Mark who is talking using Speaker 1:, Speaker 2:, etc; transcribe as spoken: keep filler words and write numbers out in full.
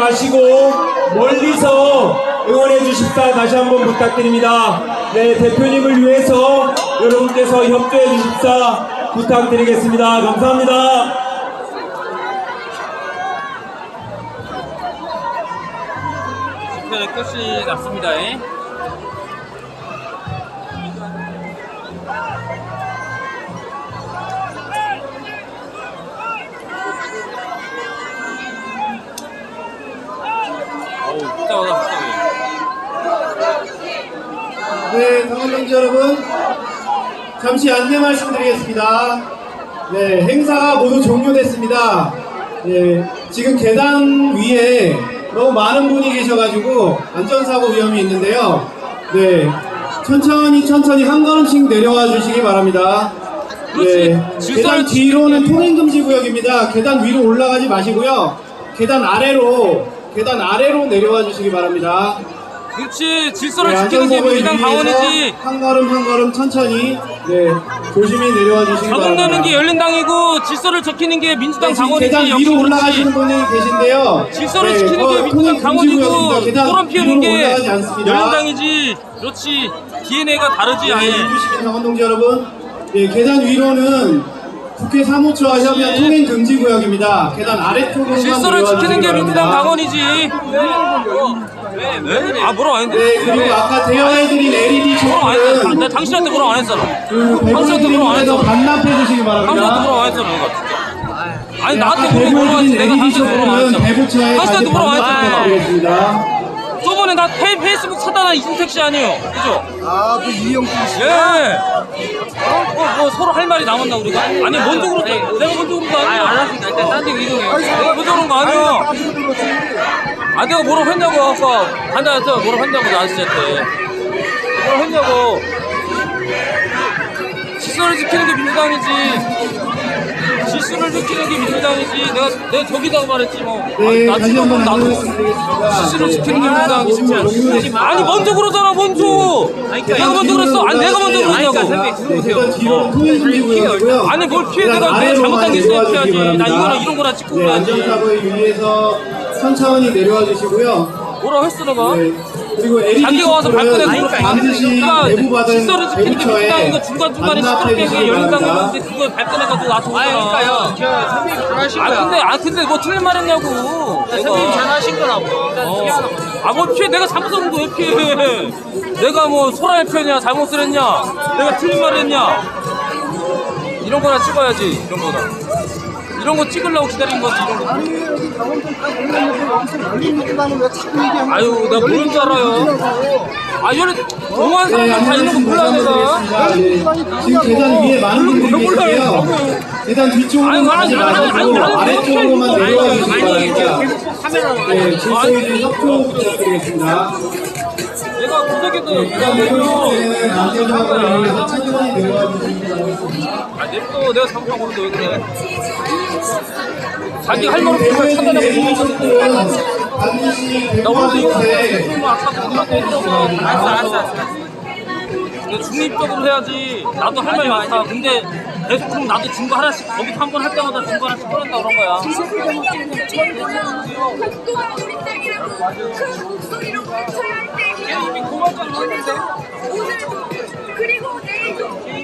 Speaker 1: 마시고 멀리서 응원해 주십사 다시 한번 부탁드립니다. 네, 대표님을 위해서 여러분께서 협조해 주십사 부탁드리겠습니다. 감사합니다.
Speaker 2: 집회의 끝이 났습니다.
Speaker 3: 네, 강원동지 여러분, 잠시 안내 말씀드리겠습니다. 네, 행사가 모두 종료됐습니다. 네, 지금 계단 위에 너무 많은 분이 계셔가지고 안전사고 위험이 있는데요. 네, 천천히 천천히 한 걸음씩 내려와 주시기 바랍니다. 네, 계단 뒤로는 통행금지 구역입니다. 계단 위로 올라가지 마시고요. 계단 아래로 계단 아래로 내려와 주시기 바랍니다.
Speaker 2: 그렇지. 질서를
Speaker 3: 네,
Speaker 2: 지키는 게 민주당 강원이지.
Speaker 3: 한 걸음 한 걸음 천천히 네 조심히 내려와 주시기 바랍니다.
Speaker 2: 자국 내는 게 열린당이고 질서를 지키는 게 민주당
Speaker 3: 네, 지금
Speaker 2: 강원이지.
Speaker 3: 계단
Speaker 2: 역시
Speaker 3: 위로 올라가시는
Speaker 2: 그렇지.
Speaker 3: 분이 계신데요.
Speaker 2: 질서를
Speaker 3: 네,
Speaker 2: 지키는 게
Speaker 3: 어,
Speaker 2: 민주당
Speaker 3: 통행
Speaker 2: 강원이고
Speaker 3: 금지구역입니다. 계단
Speaker 2: 소란 피우는
Speaker 3: 위로
Speaker 2: 게
Speaker 3: 올라가지 않습니다.
Speaker 2: 열린당이지. 그렇지. 디엔에이가 다르지 아예.
Speaker 3: 해주시면 강원동지 여러분, 네, 계단 위로는 국회 사무처와 협의한 통행 금지 구역입니다. 계단 아래쪽으로만
Speaker 2: 질서를
Speaker 3: 내려와
Speaker 2: 지키는
Speaker 3: 주시기
Speaker 2: 게 민주당
Speaker 3: 바랍니다.
Speaker 2: 강원이지. 왜? 왜? 아 뭐라고 안 했는데?
Speaker 3: 네, 그리고 아까 대여해드린 엘이디
Speaker 2: 뭐라고 안 했어.
Speaker 3: 촛불은
Speaker 2: 나 당신한테 뭐라고 안 했잖아.
Speaker 3: 그
Speaker 2: 당신한테 뭐라고 안
Speaker 3: 배분드림에서
Speaker 2: 했어.
Speaker 3: 반납해 주시기
Speaker 2: 당신한테
Speaker 3: 바랍니다.
Speaker 2: 뭐라고 안 했잖아. 내가 진짜. 아니
Speaker 3: 네,
Speaker 2: 나한테
Speaker 3: 아까
Speaker 2: 뭐라고 뭐라고 했지.
Speaker 3: 배분해드린
Speaker 2: 내가
Speaker 3: 엘이디
Speaker 2: 당신한테 뭐라고 안
Speaker 3: 촛불은
Speaker 2: 했잖아.
Speaker 3: 배부처에
Speaker 2: 당신한테
Speaker 3: 다시
Speaker 2: 뭐라고 안 했잖아. 내가.
Speaker 3: 반납드리겠습니다.
Speaker 2: 저번에 나 페이, 페이스북 차단한 이준택 씨 아니에요? 그죠?
Speaker 4: 아, 그 이영준 씨.
Speaker 2: 예. 어, 뭐, 뭐 서로 할 말이 남았나 우리가? 아니 먼저 그랬다. 내가 먼저 그런 거 아니야? 알았으니까 일단 딴 데 이동해. 내가 먼저 그런 거 아니야.
Speaker 4: 빠지고 들었지.
Speaker 2: 아 내가 뭐라고 했냐고 아까 간다한테 뭐라고 했냐고 나 아저씨한테 뭐라고 했냐고. 질서를 지키는 게 민주당이지. 질서를 지키는 게 민주당이지. 내가 내가 저기다고 말했지 뭐.
Speaker 3: 네,
Speaker 2: 나
Speaker 3: 다시
Speaker 2: 지금
Speaker 3: 한번
Speaker 2: 나도
Speaker 3: 안내드리겠습니다.
Speaker 2: 질서를 지키는 게
Speaker 3: 네,
Speaker 2: 민주당이지.
Speaker 3: 모두
Speaker 2: 아니 먼저 그러잖아 먼저. 내가 먼저 그랬어. 아니 내가 먼저 그러냐고.
Speaker 3: 네, 계단 뒤로는 통행 금지 구역이고요.
Speaker 2: 아니 뭘 피해.
Speaker 3: 계단
Speaker 2: 내가 내가
Speaker 3: 아래로만
Speaker 2: 잘못한 게 있어야
Speaker 3: 내려와 주시기
Speaker 2: 피하지. 나
Speaker 3: 바랍니다.
Speaker 2: 이거는 이런 거나 찍고
Speaker 3: 네,
Speaker 2: 그래야지.
Speaker 3: 안전사고에 유의해서 천천히 내려와 주시고요.
Speaker 2: 뭐라고 했어 내가?
Speaker 3: 네, 그리고 엘이디
Speaker 2: 자기가 와서
Speaker 3: 촛불은
Speaker 2: 발끈해서 그렇게
Speaker 3: 반드시
Speaker 2: 그러니까
Speaker 3: 내부받은
Speaker 2: 질서를 지키는 게 민주당인 거
Speaker 3: 배부처에
Speaker 2: 중간중간에
Speaker 3: 반납해
Speaker 2: 시끄럽게
Speaker 3: 주시기
Speaker 2: 열린다고
Speaker 3: 바랍니다.
Speaker 2: 했는데 그걸 발끈해가지고 나한테 오잖아.
Speaker 5: 아 그러니까요. 저 선배님 잘하신
Speaker 2: 아
Speaker 5: 거야.
Speaker 2: 근데 아 근데 뭐 틀린 말 했냐고.
Speaker 5: 선배님 잘하신 거라고. 일단
Speaker 2: 어.
Speaker 5: 피하는 거.
Speaker 2: 아뭐 피해. 내가 잘못한 거 왜 피해. 내가 뭐 소라의 편이야 잘못을 했냐. 내가 틀린 말 했냐. 이런 거나 찍어야지. 이런 거나 이런 거 찍으려고 기다린 거지. 이런 거.
Speaker 4: 아니, 여기 강원도 다 몰랐는데 여기서 열린 얘기만 왜 자꾸 얘기하는
Speaker 2: 아유 내가 모르는 줄 알아요. 아 이런 동안
Speaker 3: 네,
Speaker 2: 사람들 다 있는 거 몰라 내가.
Speaker 3: 안내드리겠습니다. 네, 지금 계단 위에 많은 분들이 계세요. 계단 뒤쪽으로만 가지 마시고 아래쪽으로만 내려와 주시기 바랍니다. 네, 질서에 대한 협조 부탁드리겠습니다.
Speaker 2: 내가 구석에도
Speaker 3: 계단 내려올 때는 안전사고를 위해서 천천히 내려와 주시기 바랍니다.
Speaker 2: 아, 냅둬. 내가 잘못한 건데 왜 그래? 자기 할 말 없으면
Speaker 3: 대부분의
Speaker 2: 차단하고
Speaker 3: 엘이디 촛불은
Speaker 2: 있는
Speaker 3: 반드시
Speaker 2: 나 오늘도 이거
Speaker 3: 배부받은
Speaker 2: 좀 아까 그분한테 해줘서 알았어, 알았어, 알았어. 내가 중립적으로 해야지. 나도 할 말이 많다. 근데 계속 그럼 나도 증거 하나씩 거기 한 번 할 때마다 증거 하나씩 꺼낸다 그런 거야.
Speaker 6: 국도가 우리 땅이라고 큰 목소리로 외쳐야 할 때이에요.
Speaker 2: 이미 고만장 했는데.
Speaker 6: 오늘도 그리고 내일도